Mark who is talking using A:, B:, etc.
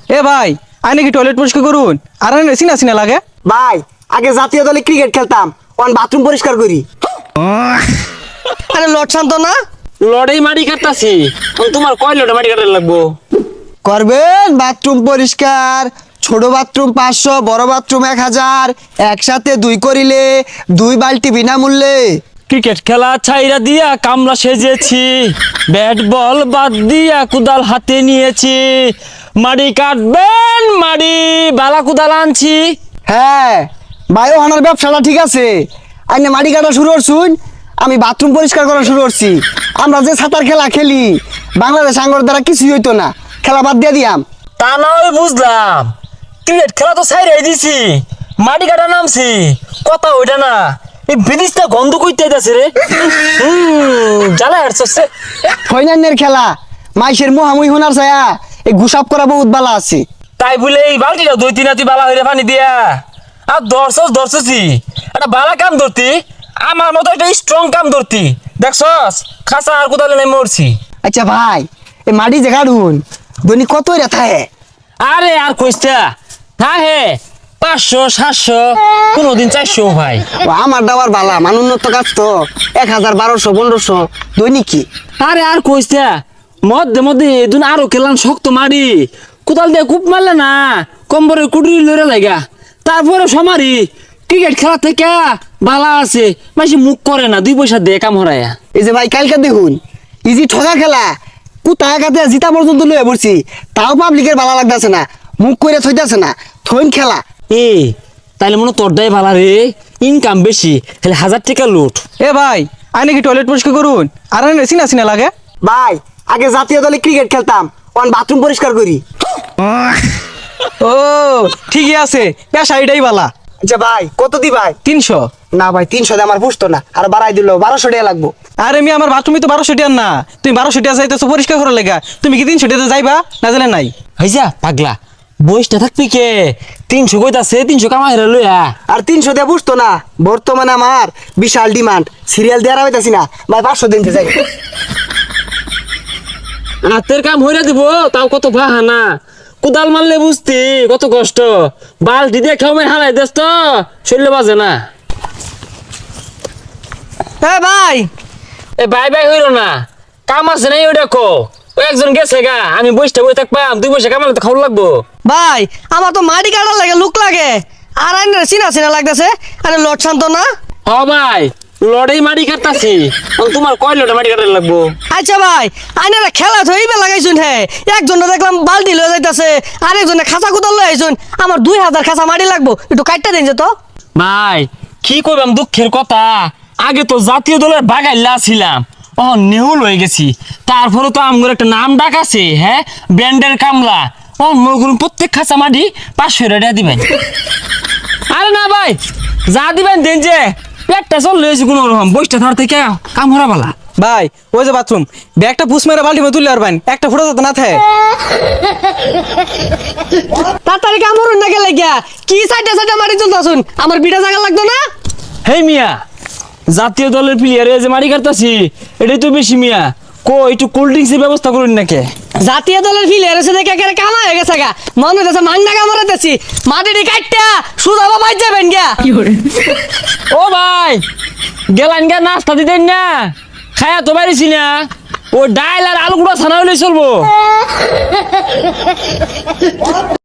A: এ ভাই আইনে কি টয়লেট পরিষ্কার করুন আর আইনে সিনা সিনা লাগে।
B: ভাই আগে জাতীয় দলে ক্রিকেট খেলতাম, এখন বাথরুম পরিষ্কার করি।
C: আরে লট শান্ত না
D: লড়াই মাটি কাটতাছি, তোমার কয় লড়াই মাটি কাটার লাগবো?
B: করবেন বাথরুম পরিষ্কার, ছোট বাথরুম 500, বড় বাথরুম 1000, একসাথে 2 করিলে 2 বালতি বিনামূল্যে।
D: ক্রিকেট খেলা ছাইরা দিয়া কামলা সেজেছি, ব্যাট বল বাদ দিয়া কুদাল হাতে নিয়েছি, মাটি কাটবেন মাটি বালা কুদাল আনছি।
B: হ্যাঁ বায়ো হানার ব্যবসাটা ঠিক আছে, আইনে মাটি কাটা শুরু করছুন, আমি বাথরুম পরিষ্কার করা শুরু করছি। আমরা যে সাঁতার খেলা খেলি বাংলাদেশ আঙ্গর দ্বারা কিছুই হইতো না, খেলা বাদ দিয়ে দিয়াম।
D: তা না হয় বুঝলাম, ক্রিকেট খেলা তো ছাইরাই দিছি, মাটি কাটা নামছি, কথা ওইটা না। এই বিদিশটা গন্ধ কইতে যাচ্ছে রে, জ্বালা হাঁটছে।
B: ফৈনান্যের খেলা মাইসের মুহামুই হোনার ছায়া এই গুসাপ করা বহুত বালা আছে।
D: তাই বলে এই বালতিটা 2-3 রাতি বালা হইরে পানি দিয়া আর দর্শছি একটা বালা কাম ধরতি, আমার মতো একটা স্ট্রং কাম ধরতি, দেখছস খাসা আর কোদালে নাই মরছি।
B: আচ্ছা ভাই এই মাটি যে কাটুন দৈনিক কত রেথা হে?
D: আরে আর কইস্তা হ্যাঁ হে 500-700, কোনদিন 400 ভাই।
B: ও আমার দাবার বালা মানুন্নত কাজ তো 1000, 1200, 1500 দৈনিক কি।
D: আরে আর কইস্তা মধ্যে মধ্যে এদিন আরো কেলান শক্ত মারি কোদাল দিয়ে কূপ মারলে না কম্বরের কুটুরি লড়ে লাগা, তারপরে সমারি ক্রিকেট খেলা থেকে বালা আছে মাসি মুখ করে না, 2 পয়সা দিয়ে কাম হরায়া।
B: এই যে ভাই কালকে দেখুন ইজি ঠগা খেলা কুতা কাতে জিতা পর্যন্ত লয়ে পড়ছি, তাও পাবলিকের ভালো লাগতেছে না, মুখ করে থইতাছে না, থইন খেলা।
D: এ তাইলে মনে তোর দায় ভালা রে, ইনকাম বেশি, খালি 1000 টাকা লুট।
A: এ ভাই আইনে কি টয়লেট পরিষ্কার করুন আর আইনে সিনা সিনা লাগে।
B: ভাই আগে জাতীয় দলে ক্রিকেট খেলতাম, এখন বাথরুম পরিষ্কার করি।
A: ও ঠিকই আছে, পেশা এটাই বালা।
B: আচ্ছা ভাই কত দি ভাই?
A: 300।
B: না ভাই 300 দিয়ে আমার পুষতো না, আর বাড়াই দিল 1200 টাকা লাগবো।
A: আরে আমি আমার বাথরুমে তো 1200 টাকা না, তুমি 1200 টাকা যাইতেছো পরিষ্কার করার লেগা, তুমি কি 300 টাকা যাইবা না জানে নাই?
D: হইছা পাগলা বইসটা থাকবি কে, 300 কইতাছে 300 কামাই রে লইয়া।
B: আর 300 দিয়ে পুষতো না, বর্তমানে আমার বিশাল ডিমান্ড, সিরিয়াল দেওয়ার হইতাছি না ভাই, 500 দিনতে যাই।
D: হাতের কাম হইরা দিব তাও কত বাহানা, কোদাল মারলে বুঝতি কত কষ্ট, বালতি দিয়ে খেয়ে হারাই দেস তো শরীরে বাজে না।
C: এ ভাই
D: এ বাই বাই হইল না, কাম আছে নাই ওই দেখো, ও একজন গেছে গা, আমি বসতে বই থাকবাম, 2 পয়সা কামালে তো খাওয়া লাগবো।
C: ভাই আমার তো মাটি কাটার লাগে লুক লাগে, আর আইনের চিনা চিনা লাগতেছে। আরে লট শান্ত না
D: হ ভাই লড়াই মাটি কাটতাছি, তোমার কয় লড়াই মাটি কাটার লাগবো?
C: আচ্ছা ভাই আইনের খেলা থইবে লাগাইছুন, হে একজনে দেখলাম বালতি লয়ে যাইতাছে, আরেকজনে খাঁচা কুদাল লয়ে আইছুন, আমার 2000 খাঁচা মাটি লাগবো, একটু কাটটা দিন যে তো।
D: ভাই কি কইবাম দুঃখের কথা, আগে তো জাতীয় দলের বাগাইলা ছিলাম, ও নেহুল হয়ে গেছি, তারপরে তো আমগর একটা নাম ডাক আছে, হ্যাঁ ব্যান্ডের কামলা, ও মগুর প্রত্যেক খাঁচা মাটি 500 টাকা দিবেন। আরে না ভাই যা দিবেন দেন, যে পেটটা চল লয়েছি কোনো রকম, বইটা ধর থেকে কাম হরা বালা।
A: ভাই ওই যে বাথরুম ব্যাগটা পুষ মেরে বাল্টি মে তুলে আরবেন, একটা ফোটা তো না থাকে।
C: তাড়াতাড়ি কামড়ুন না গেলে গিয়া কি সাইডে সাইডে মাটি তুলতাছুন, আমার বিটা জায়গা লাগতো না।
D: হেই মিয়া জাতীয় দলের প্লেয়ারে যে মারি কাটতাছি এটাই তো বেশি মিয়া, কো একটু কোল্ড ড্রিঙ্কসের ব্যবস্থা করুন নাকি?
C: জাতীয় দলের ফিলের এসে দেখে একেবারে কামা হয়ে গেছে গা, মনে হইতেছে মাংনা কামড়াতেছি, মাটিটি কাটটা সুদা বাবাই যাবেন গিয়া।
D: ও ভাই গেলান গা নাস্তা দিতেন না, খায়া তো পারিছি না, ও ডাইল আর আলু গুঁড়া ছানা হইলে চলবো।